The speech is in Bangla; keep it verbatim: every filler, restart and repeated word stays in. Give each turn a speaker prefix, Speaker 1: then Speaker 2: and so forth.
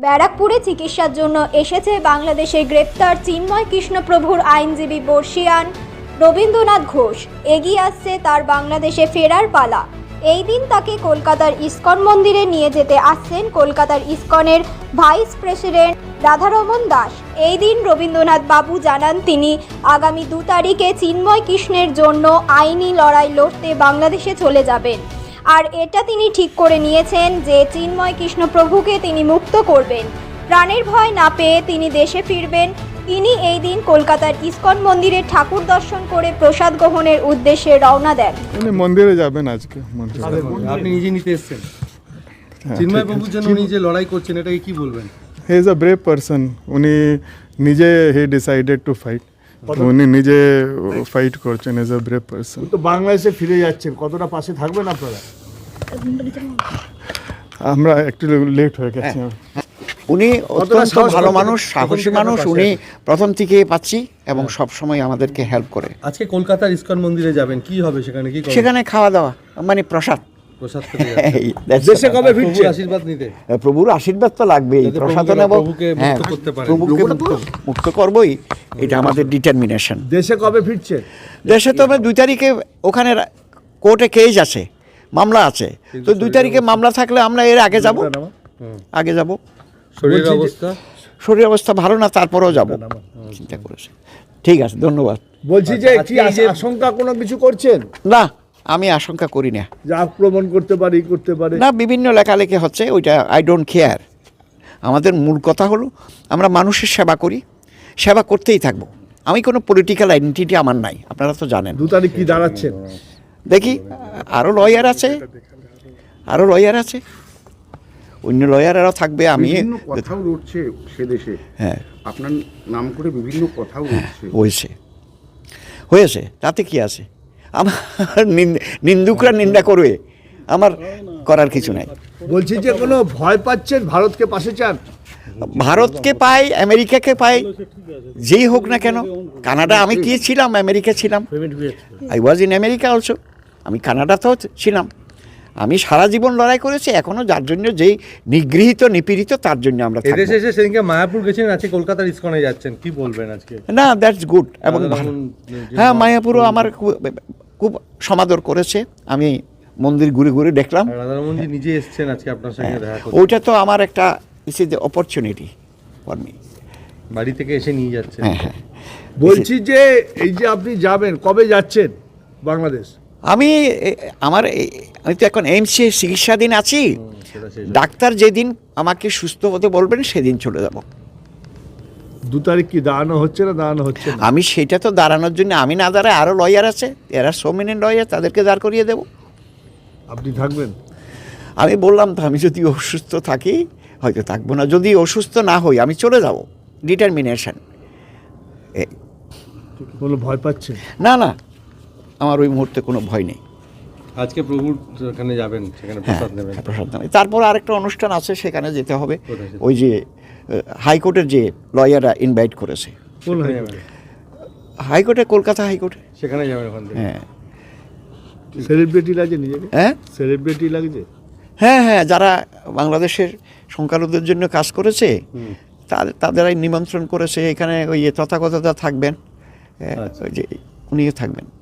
Speaker 1: ব্যারাকপুরে চিকিৎসার জন্য এসেছে বাংলাদেশের গ্রেপ্তার চিন্ময় কৃষ্ণপ্রভুর আইনজীবী বর্ষিয়ান রবীন্দ্রনাথ ঘোষ। এগিয়ে আসছে তার বাংলাদেশে ফেরার পালা। এই দিন তাকে কলকাতার ইস্কন মন্দিরে নিয়ে যেতে আসছেন কলকাতার ইস্কনের ভাইস প্রেসিডেন্ট রাধারমন দাস। এই দিন রবীন্দ্রনাথ বাবু জানান তিনি আগামী দু তারিখে চিন্ময় কৃষ্ণের জন্য আইনি লড়াই লড়তে বাংলাদেশে চলে যাবেন। আর এটা তিনি ঠিক করে নিয়েছেন যে চিন্ময় কৃষ্ণপ্রভুকে তিনি মুক্ত করবেন। প্রাণের ভয় না পেয়ে তিনি দেশে ফিরবেন। তিনি এই দিন কলকাতার ইস্কন মন্দিরে ঠাকুর দর্শন করে প্রসাদ গ্রহণের উদ্দেশ্যে রওনা দেন।
Speaker 2: উনি মন্দিরে যাবেন আজকে।
Speaker 3: আপনি নিজে নিতে এসেছেন চিন্ময় প্রভুর জন্য, উনি যে লড়াই করছেন এটাকে কি বলবেন?
Speaker 2: He is a brave person. উনি নিজে হি ডিসাইডেড টু ফাইট। উনি নিজে ফাইট করছেন। Is a brave person.
Speaker 4: তো বাংলাদেশে ফিরে যাচ্ছেন, কতটা পাশে থাকবেন আপনারা?
Speaker 2: আমরা একটু লেট হয়ে গেছি।
Speaker 5: উনি অত্যন্ত ভালো মানুষ, সাহসী মানুষ। উনি প্রথম থেকে পাচ্ছি এবং সব সময় আমাদেরকে হেল্প করে।
Speaker 3: আজকে কলকাতার ইস্কন মন্দিরে যাবেন, কি হবে সেখানে? কি করবেন?
Speaker 5: সেখানে খাওয়া দাওয়া মানে প্রসাদ।
Speaker 3: প্রসাদ খেতে
Speaker 5: এই,
Speaker 3: যাচ্ছেন।
Speaker 5: that's
Speaker 4: দেশে
Speaker 5: all.
Speaker 4: কবে
Speaker 3: প্রভুর
Speaker 4: ফিরছেন?
Speaker 3: আশীর্বাদ নিতে।
Speaker 5: প্রভুর আশীর্বাদ তো লাগবেই,
Speaker 3: যাতে
Speaker 5: প্রসাদ
Speaker 3: প্রভুকে-
Speaker 5: নেব,
Speaker 3: প্রভুকে মুক্ত
Speaker 5: হ্যাঁ,
Speaker 3: করতে পারেন।
Speaker 5: প্রভুকে মুক্ত- মুক্ত করবই, এটা আমাদের ডিটারমিনেশন।
Speaker 4: দেশে কবে ফিরছেন?
Speaker 5: দেশে তো আমরা দুই তারিখে ওখানে কোর্টে কেস আছে, মামলা আছে। তো দুই তারিখে মামলা থাকলে আমরা এর আগে যাব, আগে যাব।
Speaker 3: শরীরের
Speaker 4: বলছি যে-
Speaker 3: অবস্থা
Speaker 5: শরীর অবস্থা ভালো না, তারপরেও যাব চিন্তা করেছে। ঠিক আছে, ধন্যবাদ।
Speaker 4: বলছি যে
Speaker 3: আচ্ছা,
Speaker 4: কি
Speaker 3: আজকে এই যে-
Speaker 4: আশঙ্কা কোনো কিছু করছেন
Speaker 5: না, আমি আশঙ্কা করি না।
Speaker 4: যে আক্রমণ করতে পারে, ই করতে পারে?
Speaker 5: না, বিভিন্ন লেখালেখি হচ্ছে, ওইটা আই ডোন্ট কেয়ার। আমাদের মূল কথা হলো আমরা মানুষের সেবা করি, সেবা করতেই থাকবো। আমি কোনো পলিটিক্যাল আইডেন্টিটি আমার নাই, আপনারা তো জানেন।
Speaker 4: দু তারিখ কি দাঁড়াচ্ছেন?
Speaker 5: দেখি, আরও লয়ার আছে, আরও লয়ার আছে, অন্য লয়ারেরাও থাকবে। আমি
Speaker 6: বিভিন্ন কথাও উঠছে সে দেশে,
Speaker 5: হ্যাঁ,
Speaker 6: আপনার নাম করে বিভিন্ন কথাও উঠছে।
Speaker 5: হয়েছে হয়েছে তাতে কি আছে? আমার নিন- নিন্দুকরা নিন্দা করবে, আমার করার কিছু নাই।
Speaker 4: বলছি যে কোনো ভয় পাচ্ছেন? ভারতকে পাশে চান?
Speaker 5: ভারতকে পাই, আমেরিকাকে পাই, যেই হোক না কেন। কানাডা, আমি কি ছিলাম? আমেরিকা ছিলাম, I was in America also. আমি কানাডাতেও ছিলাম। আমি সারা জীবন লড়াই করেছি, এখনও যার জন্য যেই নিগৃহীত নিপীড়িত তার জন্য আমরা থাকবো।
Speaker 3: এদেশে এসে সেদিনকে মায়াপুর গেছেন, আজকে কলকাতার ইস্কনে যাচ্ছেন, কি বলবেন আজকে?
Speaker 5: না, দ্যাটস গুড এবং ভালো।
Speaker 3: রাধারমণ-
Speaker 5: হ্যাঁ, মায়াপুরও আমার খুব- খুব সমাদর করেছে। আমি মন্দির ঘুরে ঘুরে দেখলাম।
Speaker 3: রাধারমণজি নিজে এসেছেন আজকে আপনার সঙ্গে দেখা করতে।
Speaker 5: ওইটা তো আমার একটা this is the opportunity for me.
Speaker 3: বাড়ি থেকে এসে নিয়ে যাচ্ছেন।
Speaker 5: হ্যাঁ হ্যাঁ,
Speaker 4: বলছি যে এই যে আপনি যাবেন, কবে যাচ্ছেন বাংলাদেশ?
Speaker 5: আমি এ- আমার এ- আমি তো এখন এইমসে চিকিৎসাধীন আছি।
Speaker 3: সেটা শেষ।
Speaker 5: ডাক্তার যেদিন আমাকে সুস্থ হতে বলবেন সেদিন চলে যাব।
Speaker 4: দু তারিখ কি দাঁড়ানো হচ্ছে না দাঁড়ানো হচ্ছে না?
Speaker 5: আমি সেটা তো দাঁড়ানোর জন্য আমি না দাঁড়ায় আরও লয়ার আছে, এরা সোমিনেন্ট লয়ার, তাদেরকে দাঁড় করিয়ে দেব।
Speaker 4: আপনি থাকবেন?
Speaker 5: আমি বললাম তো, আমি যদি অসুস্থ থাকি হয়তো থাকবো না, যদি অসুস্থ না হই আমি চলে যাব। ডিটারমিনেশন।
Speaker 4: কোনো ভয় পাচ্ছেন?
Speaker 5: না না, আমার ওই মুহূর্তে কোনো ভয় নেই।
Speaker 3: আজকে প্রভুর ওখানে যাবেন, সেখানে
Speaker 5: হ্যাঁ,
Speaker 3: প্রসাদ নেবেন।
Speaker 5: প্রসাদ নেবে। তারপর আরেকটা অনুষ্ঠান আছে, সেখানে যেতে হবে।
Speaker 3: কোথায় সেটা?
Speaker 5: ওই যে হাইকোর্টের যে লয়াররা ইনভাইট করেছে,
Speaker 4: কোন
Speaker 3: সেখানে
Speaker 4: হয়?
Speaker 3: যাবেন।
Speaker 5: হাইকোর্টে, কলকাতা হাইকোর্টে।
Speaker 3: সেখানে যাবেন ওখান থেকে।
Speaker 5: হ্যাঁ
Speaker 4: সেলিব্রিটি লাগে নিজেকে?
Speaker 5: হ্যাঁ
Speaker 4: সেলিব্রিটি লাগছে?
Speaker 5: হ্যাঁ হ্যাঁ, যারা বাংলাদেশের সংখ্যালঘুদের জন্য কাজ করেছে তাদের তাদেরাই নিমন্ত্রণ করেছে। এখানে ওই তথাগতরা থাকবেন, হ্যাঁ,
Speaker 3: আচ্ছা।
Speaker 5: ওই যে উনিও থাকবেন।